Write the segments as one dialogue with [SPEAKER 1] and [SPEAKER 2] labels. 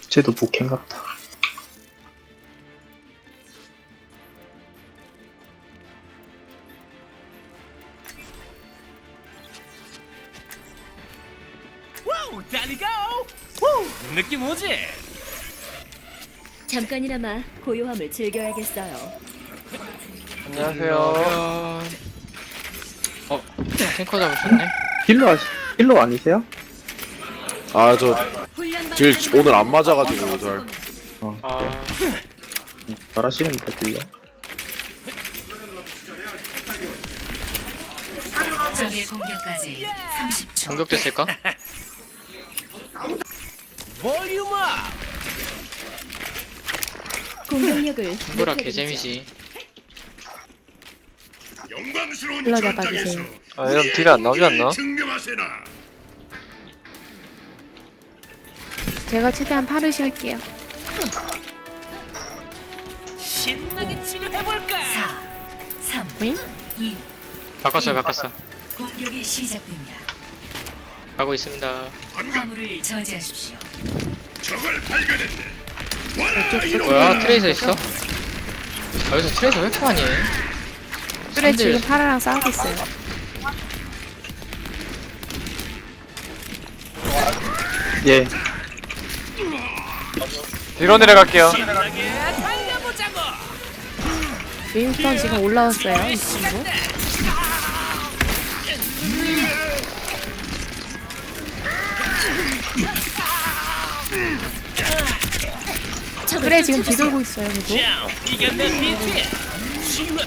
[SPEAKER 1] 쟤도 복행 같다.
[SPEAKER 2] 와우, 달리고! 후, 느낌 오지?
[SPEAKER 3] 잠깐이나마 고요함을 즐겨야겠어요.
[SPEAKER 4] 안녕하세요. 탱커 잡으셨네?
[SPEAKER 1] 힐러 아니세요?
[SPEAKER 5] 아, 저 딜 오늘 안 맞아가지고 잘.
[SPEAKER 4] 아,
[SPEAKER 1] 잘하시는데 힐러.
[SPEAKER 6] 적의 공격까지 30초.
[SPEAKER 4] 공격됐을까?
[SPEAKER 2] 볼륨업!
[SPEAKER 3] 공격력을
[SPEAKER 4] 뭐라 개재미지.
[SPEAKER 7] 힐러 잡아주세요.
[SPEAKER 4] 아, 이러면 딜이 안 나오지 않나?
[SPEAKER 7] 제가 최대한 팔을 쉴게요.
[SPEAKER 2] 신나게 치료해볼까?
[SPEAKER 6] 4, 3,
[SPEAKER 7] 응?
[SPEAKER 6] 2,
[SPEAKER 4] 바꿨어.
[SPEAKER 6] 공격이 시작됩니다.
[SPEAKER 4] 가고 있습니다.
[SPEAKER 6] 화물을 저지하십시오.
[SPEAKER 4] 뭐야, 트레이서 있어? 아, 여기서 트레이서 왜 이렇게 많이 해?
[SPEAKER 7] 그래
[SPEAKER 4] 샌들.
[SPEAKER 7] 지금 파라랑 싸우고 있어요.
[SPEAKER 1] 예.
[SPEAKER 4] 뒤로 내려갈게요.
[SPEAKER 2] 신나게 달려보자고!
[SPEAKER 7] 윈스턴 지금 올라왔어요. 이 친구. 그래 지금 뒤돌고 있어요. 그리고
[SPEAKER 2] 자, 이겼네, 비트! 치유가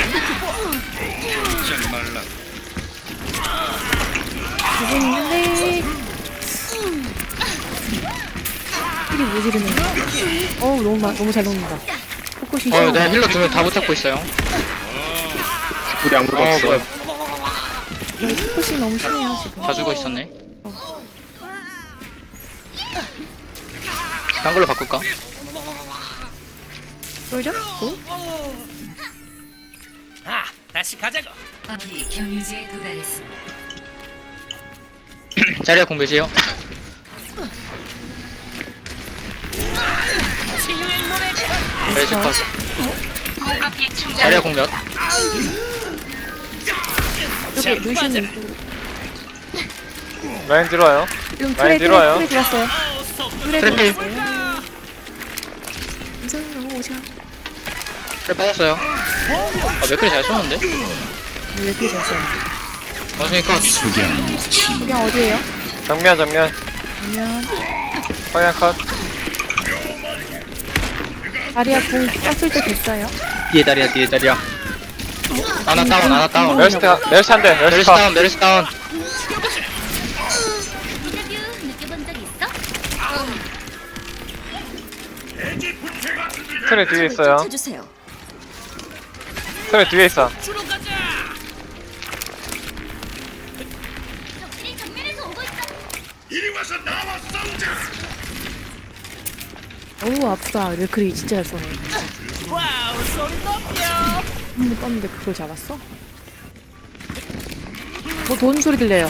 [SPEAKER 7] 두분 있는데 힐이 모지르네. 어우 너무 잘 녹는다. 포커싱
[SPEAKER 4] 어,
[SPEAKER 7] 심하다.
[SPEAKER 4] 내가 힐러 두 명 다 붙잡고 있어요.
[SPEAKER 1] 우리 아무도 없어.
[SPEAKER 4] 뭐야,
[SPEAKER 7] 포커싱 너무 심해요 지금.
[SPEAKER 4] 다 죽어 있었네. 딴 걸로 바꿀까?
[SPEAKER 7] 보이죠?
[SPEAKER 2] 아, 다시 가자고!
[SPEAKER 6] 화물이 경유지에 도달했습니다.
[SPEAKER 4] 자리야 공배지요.
[SPEAKER 2] 치유의 노래가!
[SPEAKER 4] 메리시 컷. 자리야 공몇.
[SPEAKER 7] 여기 루시님
[SPEAKER 4] 라인 들어와요.
[SPEAKER 7] 지금
[SPEAKER 4] 많이
[SPEAKER 7] 트레
[SPEAKER 4] 들어와요.
[SPEAKER 7] 들어왔어요. 트레
[SPEAKER 4] 트래필.
[SPEAKER 7] 들어왔어요. 이상한 거 오자.
[SPEAKER 4] 트랩 빠졌어요. 아, 맥클이 잘 쏘는데?
[SPEAKER 7] 왜 이렇게 잘 써요?
[SPEAKER 4] 원숭이 컷.
[SPEAKER 7] 그냥 어디에요?
[SPEAKER 4] 정면.
[SPEAKER 7] 그러면
[SPEAKER 4] 방향 컷.
[SPEAKER 7] 다리아 공 쐈을 때 됐어요.
[SPEAKER 1] 뒤에 다리야.
[SPEAKER 4] 하나 다운.
[SPEAKER 7] 메르시
[SPEAKER 4] 한대. 메르시 다운.
[SPEAKER 3] 느껴본 적 있어?
[SPEAKER 4] 트레 뒤에 있어요.
[SPEAKER 3] 찾으세요.
[SPEAKER 4] 트레 뒤에 있어.
[SPEAKER 2] 주로 가자!
[SPEAKER 3] 적들이 정면에서 오고 있어.
[SPEAKER 7] 어우 아프다. 레클이 진짜 잘 쏘네.
[SPEAKER 2] 와우, 소리 높여!
[SPEAKER 7] 한번 떴는데 그걸 잡았어? 뭐 돈 소리 들려요.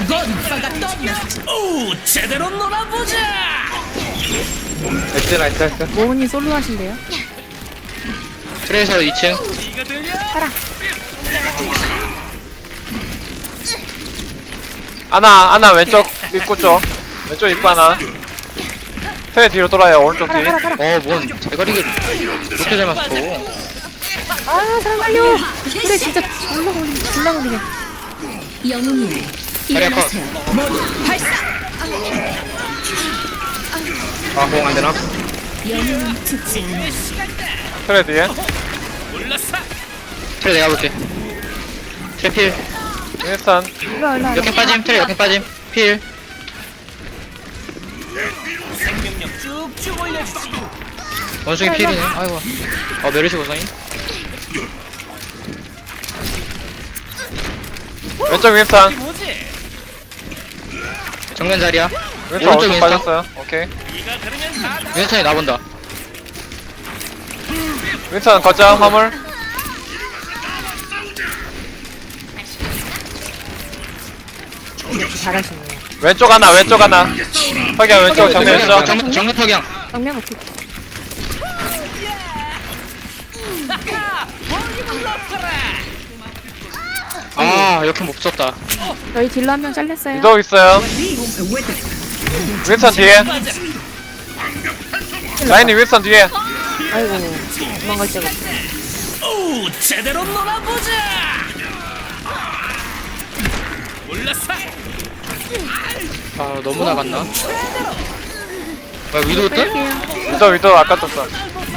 [SPEAKER 2] 오, 제대로 놀아보자!
[SPEAKER 4] 나이스.
[SPEAKER 7] 모은이 솔로 하신대요?
[SPEAKER 4] 트레이서 2층.
[SPEAKER 2] 이거 들려?
[SPEAKER 4] 아나 왼쪽 입구 쪽. 왼쪽 입구 하나. 트레 뒤로 돌아요. 오른쪽 뒤. 뭔 대가리가 그렇게 잘 맞춰.
[SPEAKER 7] 아 사람 살려! 그래 진짜 졸라 걸리네.
[SPEAKER 3] 영웅님,
[SPEAKER 4] 자리야 컷.
[SPEAKER 3] 일어나세요.
[SPEAKER 1] 공 안 되나?
[SPEAKER 3] 영웅은 죽지 않아.
[SPEAKER 4] 트레 뒤에.
[SPEAKER 2] 올랐어!
[SPEAKER 4] 트레 내가 볼게. 트레 필. 윈스턴.
[SPEAKER 7] 일로
[SPEAKER 4] 역행 빠짐. 트레 역행 빠짐. 필.
[SPEAKER 2] 생명력 쭉쭉 올려주지!
[SPEAKER 4] 원숭이 필이네. 아이고. 메르시 고성이. 왼쪽 윈스턴.
[SPEAKER 2] 뭐지?
[SPEAKER 4] 정면 자리야.
[SPEAKER 8] 왼쪽
[SPEAKER 4] 오른쪽
[SPEAKER 8] 왼쪽
[SPEAKER 4] 윈스턴.
[SPEAKER 8] 빠졌어요. 오케이.
[SPEAKER 2] 네가 그러면 다
[SPEAKER 4] 윈스턴이 나본다.
[SPEAKER 8] 윈스턴 거점 화물.
[SPEAKER 7] 잘하시네.
[SPEAKER 8] 왼쪽 하나 왼쪽 하나. 석양 왼쪽 정면 있어.
[SPEAKER 4] 정면 석양.
[SPEAKER 7] 정면 어떻게?
[SPEAKER 1] 아 이렇게 못 썼다.
[SPEAKER 7] 저희 딜러 한 명 잘렸어요.
[SPEAKER 8] 위도 있어요. 윈선 뒤에. 라인이 윈선 뒤에.
[SPEAKER 7] 아이고 도망갈 데가 없어.
[SPEAKER 2] 오, 제대로 놀아보자. 올라서.
[SPEAKER 1] 아 너무 나갔나? 아 위도 있다?
[SPEAKER 7] 뺄게요.
[SPEAKER 8] 위도 아까 떴어.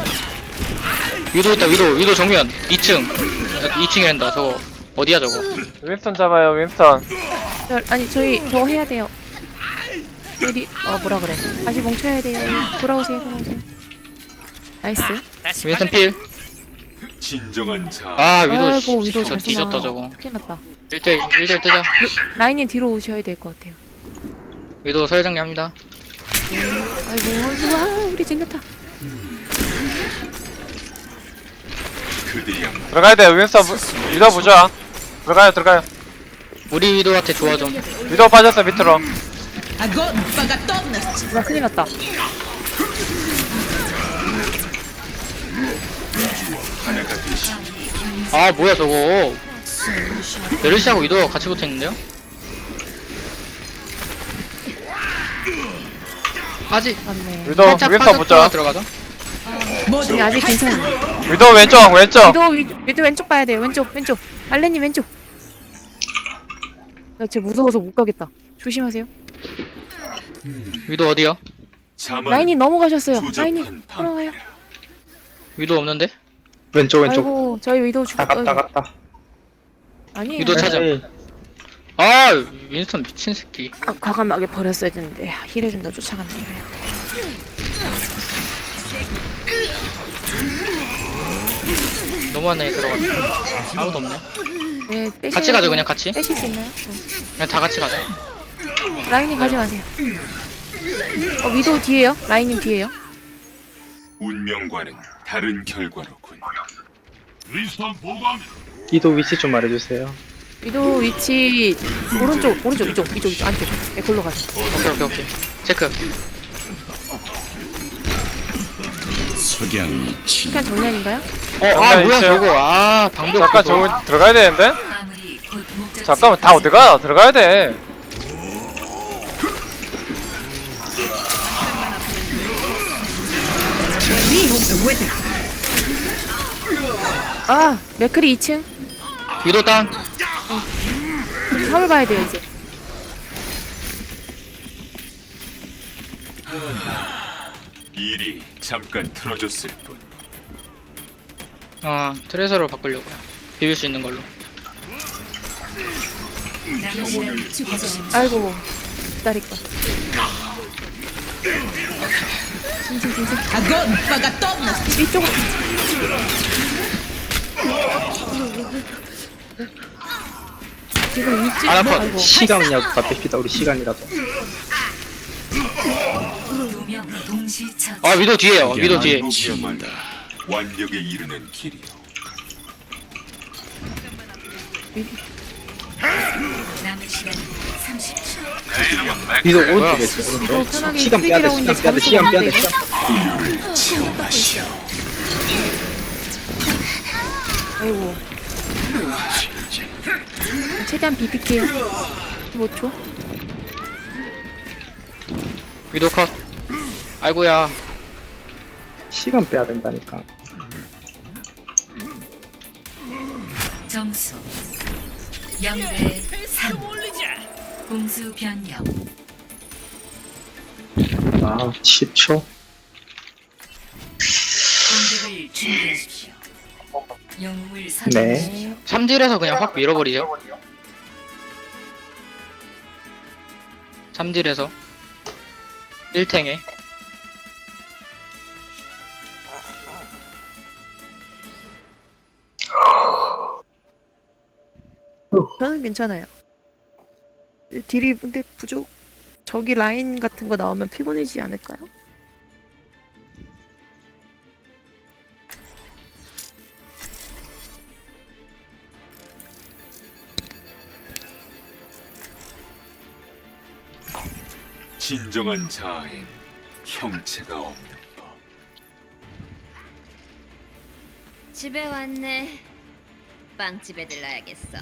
[SPEAKER 1] 위도 있다. 위도 정면 2층. 2층이란다. 저거 어디야 저거?
[SPEAKER 8] 윈선 잡아요 윈선.
[SPEAKER 7] 아니 저희 저거 해야 돼요. 어디 뭐라 그래? 다시 뭉쳐야 돼요. 돌아오세요. 나이스.
[SPEAKER 2] 다시
[SPEAKER 1] 윈슨 필.
[SPEAKER 9] 진정한 자.
[SPEAKER 1] 아
[SPEAKER 7] 아이고 위도
[SPEAKER 1] 저
[SPEAKER 7] 잘
[SPEAKER 1] 뒤졌다
[SPEAKER 7] 쏘나.
[SPEAKER 1] 저거.
[SPEAKER 7] 큰일 났다.
[SPEAKER 1] 1대1 뜨자.
[SPEAKER 7] 라인님 뒤로 오셔야 될 것 같아요.
[SPEAKER 1] 위도 서열정리합니다.
[SPEAKER 7] 아이고 와 우리 쟁겼다.
[SPEAKER 9] 그대여
[SPEAKER 8] 들어가야 돼 윈선 위도 보자. 들어가요.
[SPEAKER 1] 우리 위도한테 좋아 좀.
[SPEAKER 8] 위도 빠졌어 밑으로.
[SPEAKER 7] 와 큰일 났다.
[SPEAKER 1] 아 뭐야 저거. 메르시하고 위도가 같이 붙어있는데요? 아직
[SPEAKER 7] 맞네.
[SPEAKER 8] 위도
[SPEAKER 1] 살짝
[SPEAKER 8] 윈선
[SPEAKER 1] 빠져
[SPEAKER 8] 보자.
[SPEAKER 1] 들어가자.
[SPEAKER 7] 지금 아직 괜찮아요.
[SPEAKER 8] 위도 왼쪽.
[SPEAKER 7] 위도 왼쪽 봐야 돼요. 왼쪽. 알레님 왼쪽. 나 진짜 무서워서 못 가겠다. 조심하세요.
[SPEAKER 1] 위도 어디야?
[SPEAKER 9] 자만
[SPEAKER 7] 라인이 넘어가셨어요.
[SPEAKER 9] 조잡한
[SPEAKER 7] 라인이 돌아와요.
[SPEAKER 1] 위도 없는데?
[SPEAKER 7] 아이고 저희 위도 죽었다.
[SPEAKER 1] 갔다.
[SPEAKER 7] 아니에요.
[SPEAKER 1] 위도 찾아. 아 윈스턴 미친 새끼.
[SPEAKER 7] 과감하게 버렸어야 되는데 힐해준다 쫓아갔네요.
[SPEAKER 1] 너무하네 들어갔네. 아무도 없네.
[SPEAKER 7] 네,
[SPEAKER 1] 같이 가죠 그냥 같이.
[SPEAKER 7] 빼실 수 있나요?
[SPEAKER 1] 그냥 다 같이 가자.
[SPEAKER 7] 라인님 가져가세요. 위도 뒤에요? 라인님 뒤에요?
[SPEAKER 9] 운명과는 다른 결과로군.
[SPEAKER 1] 위도 위치 좀 말해주세요.
[SPEAKER 7] 위도 위치 오른쪽 이쪽 안쪽. 네, 골로 가자.
[SPEAKER 1] 오케이. 체크.
[SPEAKER 7] 시간 정면인가요?
[SPEAKER 1] 뭐야
[SPEAKER 8] 있어요.
[SPEAKER 1] 저거. 아 방벽.
[SPEAKER 8] 잠깐 저거 들어가야 되는데.
[SPEAKER 6] 화물이 곧 목적
[SPEAKER 8] 잠깐만 다 어디가? 들어가야 돼.
[SPEAKER 7] 맥크리 2층.
[SPEAKER 1] 위도 땅.
[SPEAKER 7] 화물 봐야 돼요 이제.
[SPEAKER 9] 일이 잠깐 틀어졌을 뿐.
[SPEAKER 1] 트레서로 바꾸려고요. 비빌 수 있는 걸로.
[SPEAKER 6] 남은 시간
[SPEAKER 7] 아이고 기다릴까. 진짜. 이쪽으로. 지금 위치. 아이고.
[SPEAKER 1] 시간이냐고 뺏기다 우리 시간이라도.
[SPEAKER 6] 2명 동시 처치.
[SPEAKER 1] 아 위도 뒤에요. 위도 뒤에.
[SPEAKER 9] 행복이야말로 완벽에 이르는 길이요.
[SPEAKER 6] 남은 시간 30초.
[SPEAKER 1] 위도
[SPEAKER 7] 뭐야?
[SPEAKER 1] 오른쪽에 있어. 오른쪽.
[SPEAKER 7] 편하게
[SPEAKER 1] 시간 빼야 돼. 시간 빼야 돼.
[SPEAKER 7] 아이고. 최대한 비빌게요. 15초.
[SPEAKER 1] 위도 컷. 아이고야. 시간 빼야 된다니까.
[SPEAKER 6] 점수 0대 3. 공수 변경.
[SPEAKER 1] 10초.
[SPEAKER 6] 공격을 준비하십시오. 영웅을 선택.
[SPEAKER 1] 네. 3딜에서 그냥 확 밀어버리죠. 3딜에서 1탱에.
[SPEAKER 7] 저는 괜찮아요. 딜이 근데 부족. 저기 라인 같은 거 나오면 피곤해지지 않을까요?
[SPEAKER 9] 진정한 자아엔 형체가 없는
[SPEAKER 3] 집에 왔네. 빵집에 들러야겠어.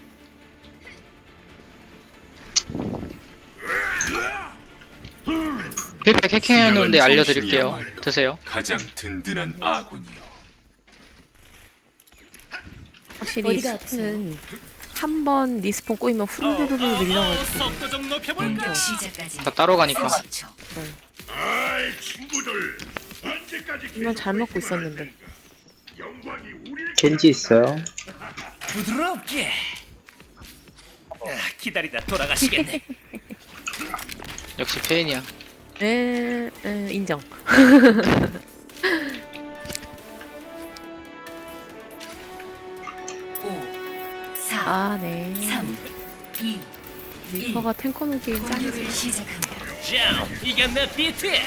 [SPEAKER 1] 힐팩 해킹해놓는데 알려드릴게요. 드세요.
[SPEAKER 9] 가장 든든한 아군이요.
[SPEAKER 7] 확실히
[SPEAKER 3] 어디가
[SPEAKER 7] 스는 한 번 리스폰 꼬이면 후루루루 밀려가지고
[SPEAKER 2] 속도 좀 높여볼까?
[SPEAKER 6] 공격 시작까지
[SPEAKER 1] 다 따로 가니까.
[SPEAKER 6] 30초.
[SPEAKER 7] 이건 잘 먹고 있었는데.
[SPEAKER 10] 겐지 있어요.
[SPEAKER 2] 부드럽게. 기다리다 돌아가시겠네.
[SPEAKER 1] 역시 페인이야.
[SPEAKER 7] 인정.
[SPEAKER 6] 5, 4,
[SPEAKER 7] 아, 네.
[SPEAKER 6] 3, 2,
[SPEAKER 7] 리퍼가 탱커 놓기엔 짱이지.
[SPEAKER 6] 공격을 시작합니다.
[SPEAKER 2] 자, 이게 내 비트야.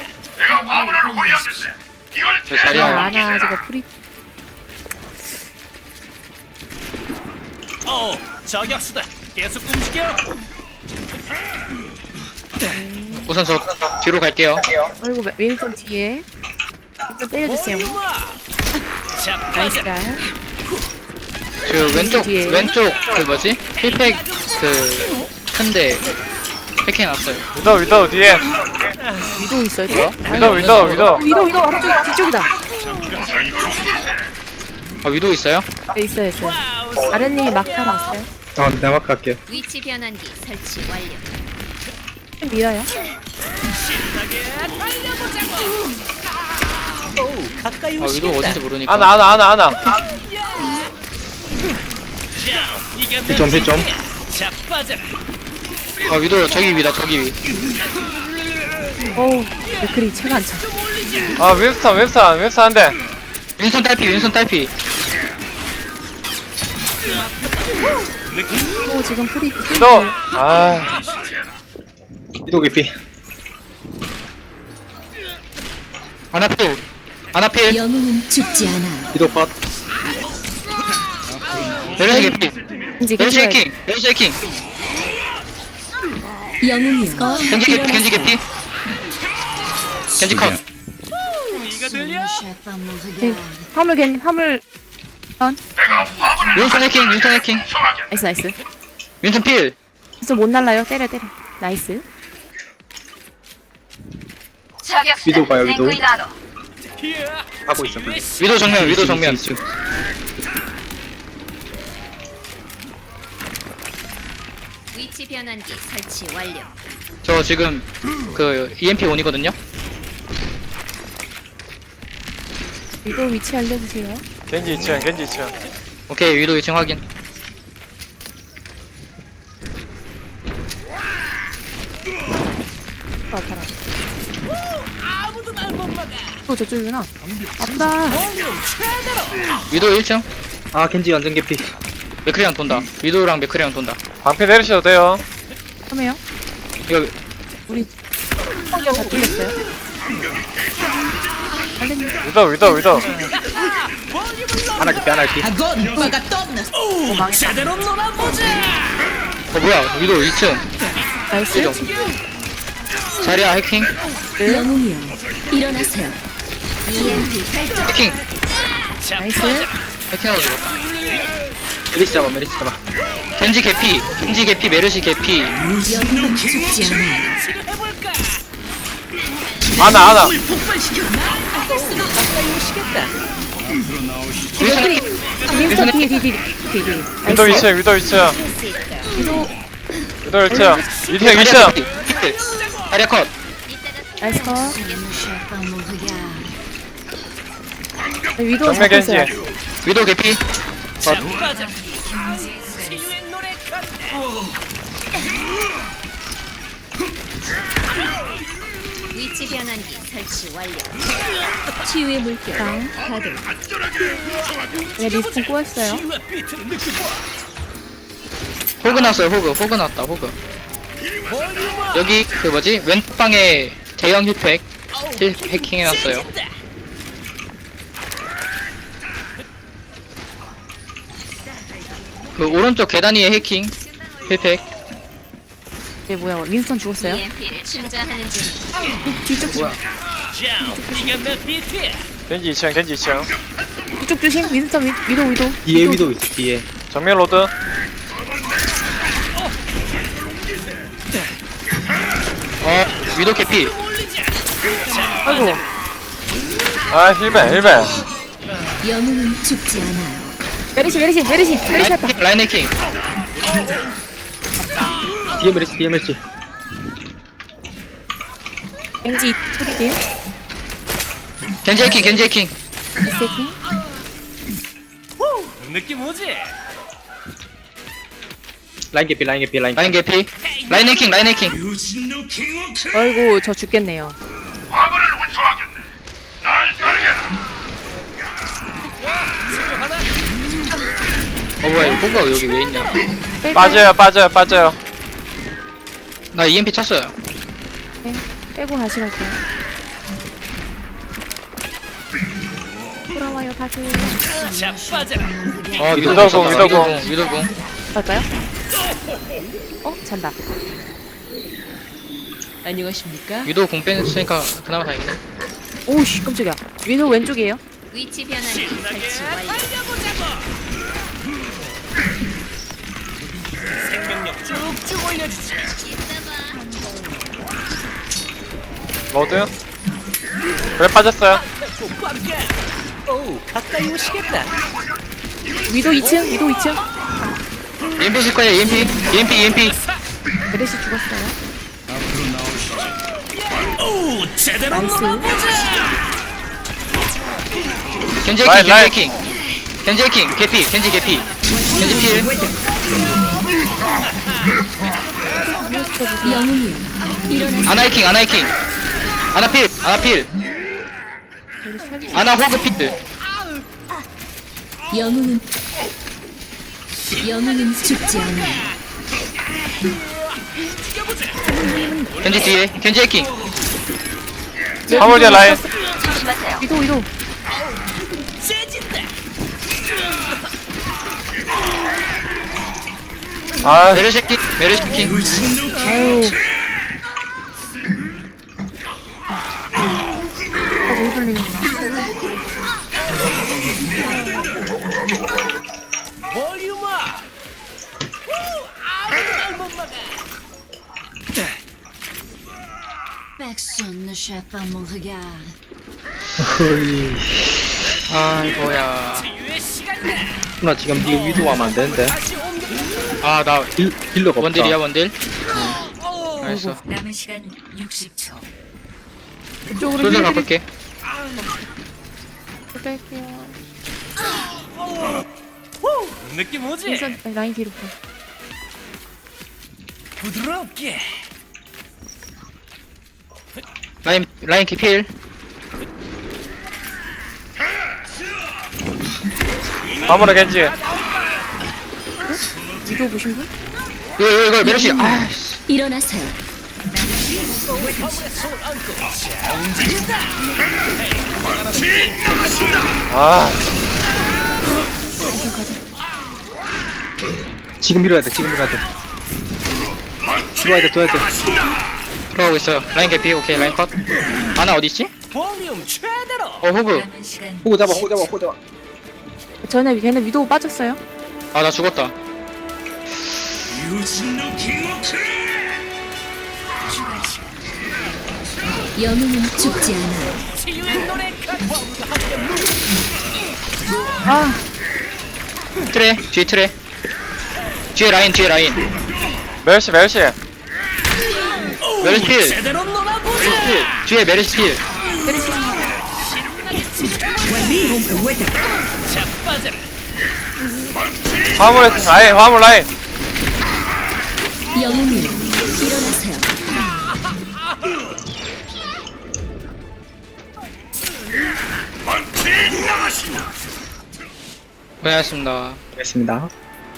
[SPEAKER 1] 저 자리야.
[SPEAKER 7] 아나 저거 프리
[SPEAKER 2] 저격수다. 계속 움직여.
[SPEAKER 1] 우선 저 뒤로 갈게요.
[SPEAKER 7] 아이고 웨일턴 뒤에 좀 때려주세요.
[SPEAKER 2] 자,
[SPEAKER 7] 나이스
[SPEAKER 2] 빠져.
[SPEAKER 7] 갈.
[SPEAKER 1] 그 왼쪽
[SPEAKER 7] 뒤에.
[SPEAKER 1] 왼쪽 그 뭐지? 힐팩 그 큰데 해킹해놨어요.
[SPEAKER 8] 위도 뒤에.
[SPEAKER 7] 위도 있어요 또?
[SPEAKER 8] 위도.
[SPEAKER 7] 앞쪽 뒤쪽이다.
[SPEAKER 1] 아 위도 있어요?
[SPEAKER 7] 네 있어요. 아랫님이 막타 왔어요.
[SPEAKER 10] 내가 갈게요.
[SPEAKER 3] 위치 변환기 설치 완료.
[SPEAKER 7] 좀 밀어요.
[SPEAKER 2] 가까이
[SPEAKER 1] 아 위도 어딘지 모르니까.
[SPEAKER 8] 아나.
[SPEAKER 2] 이게 내
[SPEAKER 10] 피점, 피점.
[SPEAKER 2] 자, 빠져라.
[SPEAKER 1] 아 위도 저기 위다 저기 위.
[SPEAKER 7] 어우 맥크리 체가 안 차.
[SPEAKER 8] 아 웹스터 한 대.
[SPEAKER 1] 윈선 딸피.
[SPEAKER 7] 또 지금 프리
[SPEAKER 8] 위도. 아.
[SPEAKER 10] 위도 개피.
[SPEAKER 1] 아나필.
[SPEAKER 3] 영웅은 죽지 않아.
[SPEAKER 10] 위도 컷.
[SPEAKER 1] 메르시 개피.
[SPEAKER 7] 이제
[SPEAKER 1] 메르시
[SPEAKER 7] 괜찮아요.
[SPEAKER 1] 해킹. 메르시 해킹.
[SPEAKER 3] 영웅이여.
[SPEAKER 1] 겐지 개피. 겐지 컷.
[SPEAKER 2] 이거 들려?
[SPEAKER 7] 네, 화물
[SPEAKER 1] 윈선 해킹.
[SPEAKER 7] 나이스.
[SPEAKER 1] 윈선 필.
[SPEAKER 7] 진짜 못 날라요. 때려. 나이스.
[SPEAKER 10] 위도 봐요, 위도.
[SPEAKER 2] 이야.
[SPEAKER 10] 하고 있어.
[SPEAKER 1] 위도 정면.
[SPEAKER 3] 위치 변환기 설치 완료.
[SPEAKER 1] 저 지금 그 EMP 온이거든요.
[SPEAKER 7] 위도 위치 알려주세요.
[SPEAKER 8] 겐지 2층.
[SPEAKER 1] 오케이 위도 2층 확인.
[SPEAKER 7] 아파라. 또 저쪽이구나. 아프다.
[SPEAKER 1] 위도 1층.
[SPEAKER 10] 아, 겐지 완전 개피.
[SPEAKER 1] 맥크리랑 돈다. 위도랑 맥크리랑 돈다.
[SPEAKER 8] 방패 내리셔도 돼요.
[SPEAKER 7] 그러면
[SPEAKER 1] 이거
[SPEAKER 7] 우리 성격 다 뚫렸어요.
[SPEAKER 8] 위도.
[SPEAKER 10] 하나 개피.
[SPEAKER 2] 제대로 놀아보자.
[SPEAKER 1] 뭐야 위도 2층.
[SPEAKER 7] 나이스.
[SPEAKER 1] 위도. 자리야 해킹.
[SPEAKER 3] 영웅이여. 일어나세요. EMP 발동.
[SPEAKER 1] 해킹.
[SPEAKER 2] 자,
[SPEAKER 7] 나이스.
[SPEAKER 2] 빠져.
[SPEAKER 1] 해킹하고 죽었다.
[SPEAKER 10] 메리시 잡아.
[SPEAKER 1] 겐지 개피 메르시 개피.
[SPEAKER 3] 영웅은 죽지 않아.
[SPEAKER 2] 치료해볼까?
[SPEAKER 8] 아나.
[SPEAKER 1] 윈선 해킹.
[SPEAKER 7] 윈스턴 뒤에.
[SPEAKER 8] 위도 2층. 위도 1층. 2층.
[SPEAKER 1] 자리야 컷.
[SPEAKER 7] 나이스 컷. 위도
[SPEAKER 8] 정면 겐지.
[SPEAKER 7] 잡혔어요.
[SPEAKER 1] 위도 개피.
[SPEAKER 2] 자, 빠져. 치유의 노래 간다.
[SPEAKER 3] 위치 변환기 설치 완료. 치유의 물결 가동.
[SPEAKER 7] 네 리스폰 꼬였어요.
[SPEAKER 2] 치유의 비트를 느끼고
[SPEAKER 1] 호그 났어요 호그 났다 여기 그 뭐지 왼방에 대형 힐팩 해킹해놨어요. 그 오른쪽 계단 위에 해킹 힐팩.
[SPEAKER 7] 얘 뭐야? 윈스턴 죽었어요?
[SPEAKER 3] EMP를 충전하는 중.
[SPEAKER 7] 뒤쪽
[SPEAKER 1] 뭐야?
[SPEAKER 2] 자, 이게 내 비트야.
[SPEAKER 8] 겐지 2층.
[SPEAKER 7] 왼쪽 조심. 윈스턴 위도.
[SPEAKER 10] 뒤에 위도 있어 뒤에.
[SPEAKER 8] 정면 로드.
[SPEAKER 1] 위도 개피.
[SPEAKER 7] 아이고.
[SPEAKER 8] 아 힐벤.
[SPEAKER 3] 영웅은 죽지 않아요.
[SPEAKER 7] 메리시 왔다.
[SPEAKER 1] 라인 해킹.
[SPEAKER 10] 뒤에 메르시.
[SPEAKER 7] 왠지 소리게요?
[SPEAKER 1] 겐지 해킹.
[SPEAKER 7] 세팅.
[SPEAKER 2] 느낌 오지?
[SPEAKER 10] 라인 개피.
[SPEAKER 1] 라인 개피. 라인 해킹.
[SPEAKER 7] 아이고 저 죽겠네요.
[SPEAKER 1] 뭐야 이거 호그가 여기 왜 있냐.
[SPEAKER 8] 빠져요.
[SPEAKER 1] 나 EMP 쳤어요.
[SPEAKER 7] 네, 빼고 다시 갈게요. 돌아와요 다시.
[SPEAKER 2] 자빠져라.
[SPEAKER 1] 위도공.
[SPEAKER 7] 갈까요? 잔다.
[SPEAKER 2] 안녕하십니까?
[SPEAKER 1] 위도 공 뺐으니까 그나마 다행이네.
[SPEAKER 7] 오우씨 깜짝이야. 위도 왼쪽이에요.
[SPEAKER 3] 위치 변환기 설치 완료.
[SPEAKER 2] 생명력 쭉쭉 올려주지.
[SPEAKER 8] 로드. 그래 빠졌어요.
[SPEAKER 2] 오, 가까이 오시겠다.
[SPEAKER 7] 위도 2층.
[SPEAKER 1] EMP 칠 거야 EMP.
[SPEAKER 7] 메리시 죽었어요.
[SPEAKER 2] 오, 제대로
[SPEAKER 7] 나이스.
[SPEAKER 2] 놀아보자.
[SPEAKER 1] 겐지
[SPEAKER 8] 라인.
[SPEAKER 1] 해킹. 개피. 겐지 필.
[SPEAKER 3] 영웅이요. 일어나세요.
[SPEAKER 1] 아나 해킹. 아나 필. 아나 호그 필.
[SPEAKER 3] 영웅은 죽지 않아요.
[SPEAKER 1] 겐지 뒤에. 겐지 해킹.
[SPEAKER 8] 화물이야 라인.
[SPEAKER 7] 위도.
[SPEAKER 2] 세진다.
[SPEAKER 8] 아
[SPEAKER 1] 메르시 해킹.
[SPEAKER 7] 아유. 왜 돌리는구나.
[SPEAKER 2] 볼륨아. 아무도 못 막아.
[SPEAKER 3] Personne ne chape pas mon regard.
[SPEAKER 1] 아이고야.
[SPEAKER 2] 치유의 시간이다.
[SPEAKER 10] 나 지금 뒤에 위도 하면 안 되는데.
[SPEAKER 2] 다시 옮겨.
[SPEAKER 1] 나
[SPEAKER 10] 힐러가 없다.
[SPEAKER 1] 원딜. 알았어.
[SPEAKER 6] 남은 시간 60초.
[SPEAKER 7] 이쪽으로
[SPEAKER 1] 솔저 바꿀게.
[SPEAKER 7] 뺄게요.
[SPEAKER 2] 느낌 오지?
[SPEAKER 7] 윈스턴 라인 뒤로.
[SPEAKER 2] 부드럽게.
[SPEAKER 1] 라인 기필.
[SPEAKER 8] 화물에 겐지.
[SPEAKER 7] 위도 보신 분?
[SPEAKER 1] 이거 메르시.
[SPEAKER 3] 일어나세요.
[SPEAKER 8] 아
[SPEAKER 10] 지금 밀어야 돼. 들어와야 돼.
[SPEAKER 1] 들어가고 있어요. 라인 개피. 오케이 라인 컷. 아나 어디 있지?
[SPEAKER 2] 볼륨 최대로.
[SPEAKER 1] 호그.
[SPEAKER 6] 남은 시간
[SPEAKER 10] 호구 잡아.
[SPEAKER 7] 걔네 위도 빠졌어요.
[SPEAKER 1] 나 죽었다.
[SPEAKER 6] 추가 시간.
[SPEAKER 3] 영웅은 죽지 않아요.
[SPEAKER 2] 치유의 노래
[SPEAKER 1] 트레. 뒤에 라인.
[SPEAKER 8] 멜시.
[SPEAKER 1] 메르시 필.
[SPEAKER 2] 제대로 놀아보자.
[SPEAKER 1] 뒤에 메르시 필.
[SPEAKER 2] 자빠져라.
[SPEAKER 8] 화물 라인.
[SPEAKER 3] 영웅이요. 일어나세요.
[SPEAKER 1] 고생하셨습니다.
[SPEAKER 10] 됐습니다.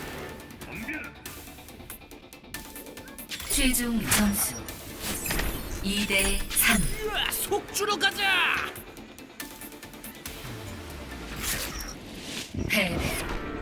[SPEAKER 6] 최종 점수 2대 3.
[SPEAKER 2] 속주로 가자.
[SPEAKER 6] 패배.